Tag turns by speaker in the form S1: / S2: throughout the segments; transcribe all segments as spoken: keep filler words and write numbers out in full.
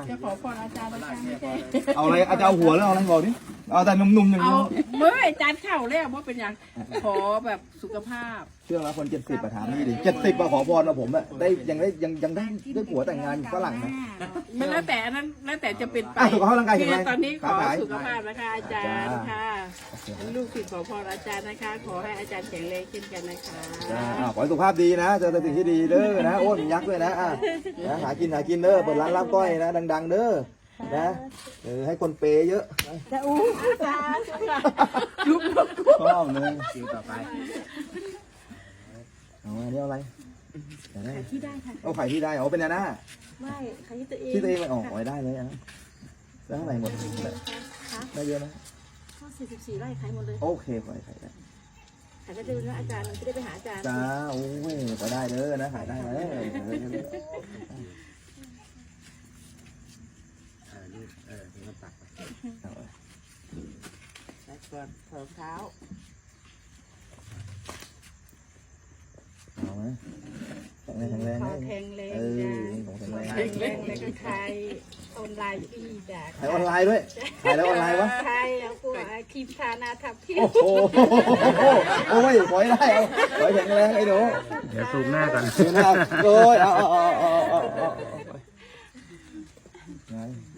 S1: จะขอพรอาจารย์นะคะไม่ใช่
S2: เอาอะไรอาจารย์เอาหัวแล้วเอาอะไรบอกดิเอาแต่หนุ่มๆอย่าง
S1: เอา
S2: นี้
S1: เมื่ออาจารย์เข้าแล้วว่าเป็นอย่างขอแบบสุขภาพ
S2: เชื่อแล้วคนเจ็ดสิบอะถามนี่ดิเจ็ดสิบอะขอพรมาผมอะได้ยังได้ยังยังได้ได้ผัวแต่งงานอยู่ฝรั่งนะ
S1: มันแล้วแต่อันนั้นแล้วแต่จะเป็นไป
S2: อ่ะสุขภาพร่างกายแข็งแรง
S1: คือตอนนี้ขอ
S2: ค้าขาย
S1: สุขภาพนะคะอาจารย์
S2: จ้า
S1: ค่ะลูกศิษย์ขอพรอาจารย์นะคะ ขอให้อาจารย์แข็งแรงเช่นกันนะคะ
S2: จ้าอ่าขอให้สุขภาพดีนะเจอแต่สิ่งที่ดีเด้อนะโอ้ยมียักษ์ด้วยนะอ่ะนะหากินหากินเด้อเปิดร้านลาบก้อยนะดังๆเด้อนะเออให้คนเปย์เยอะ
S1: จะอู้สาธุค่ะยุบยุบ
S2: ชอบเลยคิวต่อไปเอาอันนี้เอาอะไรเดี๋ยวได้
S1: ที่ได้ค่ะ
S2: เอาไข่ที่ได้เอาเป็นอันน่ะ
S1: ไม่ใครที่ตัวเอง
S2: ที่ตัวเองมันออกไว้ได้เลยอ่ะแล้วเท่าไหร่หมดได้เยอะไหม
S1: ข้อสี่สิบสี่ไร่ขายหมดเลย
S2: โอเคขอให้ไข่ได้
S1: ขายก็จะเป็นว่าอาจารย์จะได้ไปหาอาจารย์
S2: จ้าโอ้ยขอได้เด้อนะขายได้เลย
S3: เออนี่เออนี่ก็ตักไป
S1: แต่ก่อนเถิมเท้า
S2: เอาไหมแข็งแรงแข็งแรง
S1: ขอแข็งแรง
S2: เออ
S1: จ้า
S2: ของแข็งแรง
S1: แข็งแรงแล้วก็ขายออนไลน์พี่จ้า
S2: ขายออนไลน์ด้วยขายแล้วออนไลน์วะ
S1: ใช่แล้วกูครีมทาหนาทับพี่
S2: โอ้โหโอ้ยขอให้ได้เอาขอให้แข็งแรงไอ้หนู
S3: เดี๋ยวซูมหน้าก่อน
S2: เดี๋ยวนะครับโอ้ยเอาเอาเอาเอาเอาเอาไง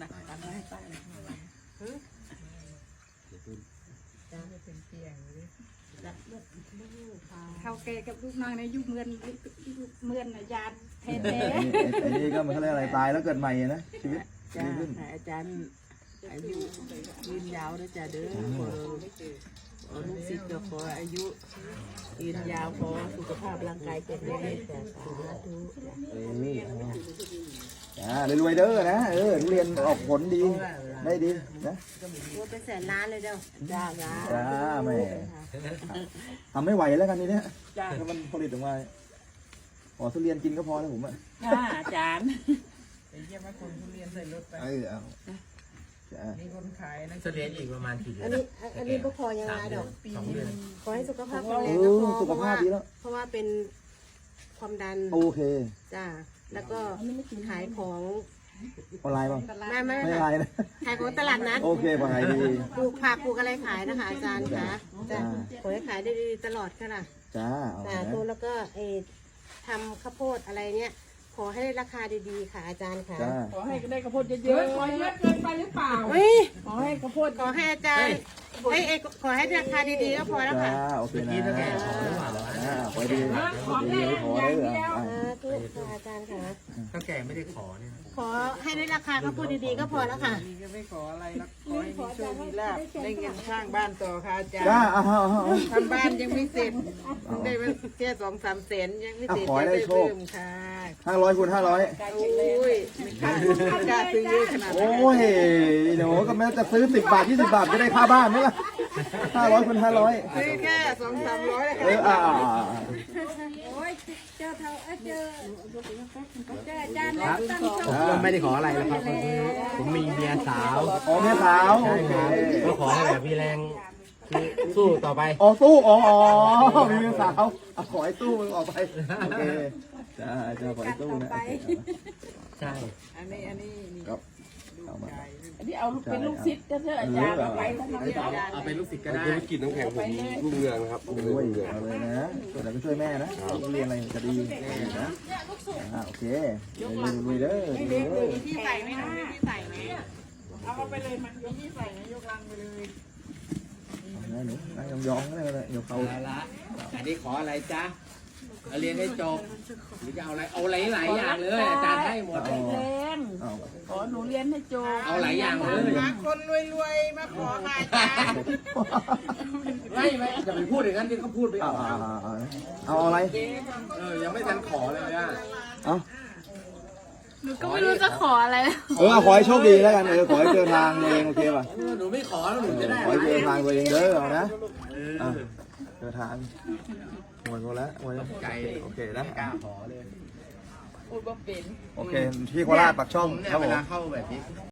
S1: เขาแกกับลูกน้องในยุคเมือนเมือนยานแท้
S2: ไอ้นี่ไอ้นี่ก็มันเขาเรียกอะไรตายแล้วเกิดใหม่นะชีวิต
S1: ๆจ้า
S2: ดีขึ้น
S1: อาจารย์อายุยืนยาวด้วยจ้าเด้อขอขอลูกศิษย์ก็ขออายุยืนยาวขอสุขภาพร่างกายแข็งแรงจ้าสาธุ
S2: เออจ้ารวยๆเด้อนะเออทุเรียนออกผลดีได้ดีนะ
S1: ว่าเป็นแสนล้านเลยเด้อจ้าจ้า
S2: จ้าแม่ทำไม่ไหวแล้วกันทีเนี้ย
S1: จ้า
S2: ถ้ามันผลิตออกมาขอทุเรียนกินก็พอแล้วผมอ่ะ
S1: จ้าอาจารย์
S4: เยี่ยมคนทุเรียนใส่รถไป
S2: เออเอาจ้า
S4: มีคนขายนะ
S3: เฉลี่ยอีกประมาณกี่เดือน
S5: อันนี้อันนี้ก็พอยังไงดอก
S3: สองเดือน
S5: ขอให้สุขภาพแข็ง
S2: เอ
S5: แรงก็
S2: อ
S5: พอ
S2: สุขภาพดีแล้ว
S5: เพราะว่าเป็นความดัน
S2: โอเค
S5: จ้าแล้วก็ขายของ
S2: ออนไลน์ป่ะ
S5: ไม่ไม่
S2: ไม่ออนไลน์นะ
S5: ขายของตลาดนัด
S2: โอเคพอขายดี
S5: ปลูกผักปลูกอะไรขายนะคะอาจารย์คะจ้า
S2: จ้า
S5: ขอให้ขายได้ดีตลอดค่ะล่ะ
S2: จ้าเอา
S5: สา
S2: นะ
S5: ธุแล้วก็เออทำข้าวโพดอะไรเนี้ยขอให้ได้ราคาดีๆค่ะอาจารย์ค่ะ
S2: จ้า
S1: ขอให้ได้กระโพดเยอะๆขอเยอะเกินไปหรือเปล่า
S5: เฮ้ย
S1: ขอให้กระโพด
S5: ขอให้อาจารย์เอ้ยเอ้ยขอให้ราคาดีๆก็พอแล้ว
S2: จ้า
S5: ค่ะ
S2: โอเคนะ
S3: นี่ถ้าแกขอหรือเปล่า
S2: อ่าขอดีดีไม่ขอได้เหรออ่ะ
S5: สาธุค่ะอาจารย์ค่ะ
S3: ถ้าแกไม่ได้ขอเนี่ย
S5: ขอให้ได้ราคาข้าวโพดดีๆก็พอแล้วค่ะ
S4: นี่ก็ไม่ขออะไรหรอกขอให้มีโชคมีลาภได้เงินสร้างบ้านต่อค่ะอาจาร
S2: จ้า
S4: ย์
S2: เอาเอาเอาเอา
S4: ทำบ้านยังไม่เสร็จได้มาแค่สองสามแสนยังไม่เสร็จ
S2: อ่ะขอให้ได้โชค
S4: เพิ่มค่ะ
S2: ห้าร้อยคูณห้าร้อย
S4: โอ้ยไม่กล้าไม่กล้าซื้อเยอะขนาดนั้น
S2: โอ้ยหนูก็แม้จะซื้อสิบบาทยี่สิบบาทจะได้ค่าบ้านไหมล่ะห้าร้อยคูณห้าร้อย
S4: ซื้อแค่สองสามร้อย
S2: เอออ่า
S1: โอ้ยเจอเท่าเอ้ยเจอเจออาจารย์แล้วตั้งโช
S3: ผมก็ไม่ได้ขออะไรแล้วครับผมมีเมียสาว
S2: อ๋อแม่สาวโอเค
S3: ก็ขอให้แบบมีแรงคือสู้ต่อไป
S2: อ๋อสู้อ๋ออ๋อมีแม่สาวอ่ะขอให้สู้มึงออกไปโอเคจ้าจ้าขอให้สู้นะ
S3: ใช่
S4: อันนี้อันนี้นี่
S2: ครับเอามา
S1: อันนี้เอาเป็นลูกศิษย์ก็เถอะอาจารย์เอาไปทั้งนั้นเลย
S3: เอาเป็นลูกศิษย์ก็ได้
S6: ธุรกิจน้ำแข็งผมรุ่งเรืองนะครับรุ่งเรื
S2: ช่วย
S6: องรุ่งเรือง
S2: เอาเลยนะช่วยแต่ก็ช่วยแม่นะเรียนอะไรจะดีนะอ่าโอเคลุยๆเด้อลุยๆเด้อ
S4: ที่ใส่ไหมคะที่ใส่ไหม
S1: เอาเอาไปเลยมัน
S4: ยกที่ใส่ไหมยกลังไปเลย
S2: นะหนูนั่งยองๆก็ได้เลยเดี๋ยวเขา
S3: เอาละอันนี้ขออะไรจ๊ะเอาเรียนให้จบหรือจะเอาอะไรเอาหลายหลายอย่างเลยอาจารย์ให้หมด
S1: แข็งแรง
S2: เอา
S1: ขอหนูเรียนให้จบ
S3: เอาหลายอย่างเลย
S4: มาคนรวยๆมาขอค่ะอาจารย์
S3: ไม่ไม่อย่าไปพูดอย่างนั้นที่เขาพูดไป
S2: เอา
S3: เอา
S2: เอาเอาเอาอะไร
S3: เออยังไม่ทันขอเลยอ่ะ
S2: เอา
S7: หนูก็ไม่รู้จะขออะไร
S2: เออขอให้โชคดีแล้วกันเออขอให้เจอทางตัวเองโอเคป่ะ
S3: เออหนูไม่ขอแล้วหนูจะได้
S2: ขอให้เจอทางตัวเองเด้อเอานะ
S3: เออ
S2: อ่ะเจอทางหมดหมดแล้วหมดแล้ว
S3: ใจ
S2: โอเคนะ
S3: กล้าขอเลย
S1: พูดว่าเป็น
S2: โอเคที่โคราชปากช่อง
S3: ผมเนี่
S2: ครั
S3: ย
S2: บ
S3: เว
S2: ผม
S3: ลาเข้าแบบนี้